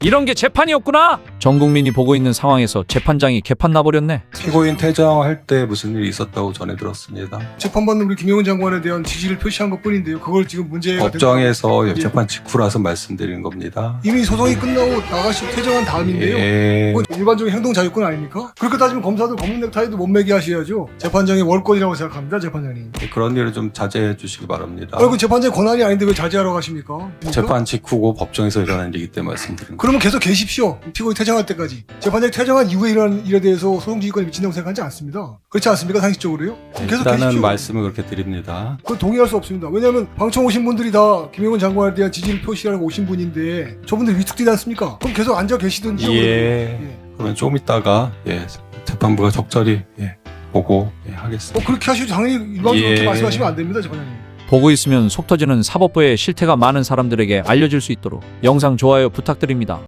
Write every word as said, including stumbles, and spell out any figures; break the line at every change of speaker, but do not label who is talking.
이런 게 재판이었구나. 전 국민이 보고 있는 상황에서 재판장이 개판 나버렸네.
피고인 퇴정할 때 무슨 일이 있었다고 전해 들었습니다.
재판받는 우리 김용은 장관에 대한 지지를 표시한 것뿐인데요. 그걸 지금 문제가
법정에서
예.
재판 직후라서 말씀드리는 겁니다.
이미 소송이 끝나고 나가시 퇴정한 다음인데요.
예.
그건 일반적인 행동 자유권 아닙니까? 그렇게 따지면 검사도 검은 넥타이도 못 매게 하셔야죠. 재판장의 월권이라고 생각합니다. 재판장님.
그런 일을 좀 자제해 주시기 바랍니다.
아, 그 재판장의 권한이 아닌데 왜 자제하라고 하십니까? 그러니까?
재판 직후고 법정에서 일어난 일이기 때문에 말씀드립니다.
그러면 계속 계십시오. 피고인 퇴정할 때까지. 재판장이 퇴정한 이후에 일어난 일에 대해서 소송지휘권이 미친다고 생각하지 않습니다. 그렇지 않습니까? 상식적으로요? 계속
일단은
계십시오.
말씀을 그렇게 드립니다.
그건 동의할 수 없습니다. 왜냐하면 방청 오신 분들이 다 김용은 장관에 대한 지지를 표시하려고 오신 분인데 저분들 위축되지 않습니까? 그럼 계속 앉아 계시든지.
예.
예.
그러면 조금 있다가 예, 재판부가 적절히 예, 보고 예, 하겠습니다.
어, 그렇게 하시죠. 당연히 일반적으로
예.
그렇게 말씀하시면 안 됩니다. 재판장님.
보고 있으면 속 터지는 사법부의 실태가 많은 사람들에게 알려질 수 있도록 영상 좋아요 부탁드립니다.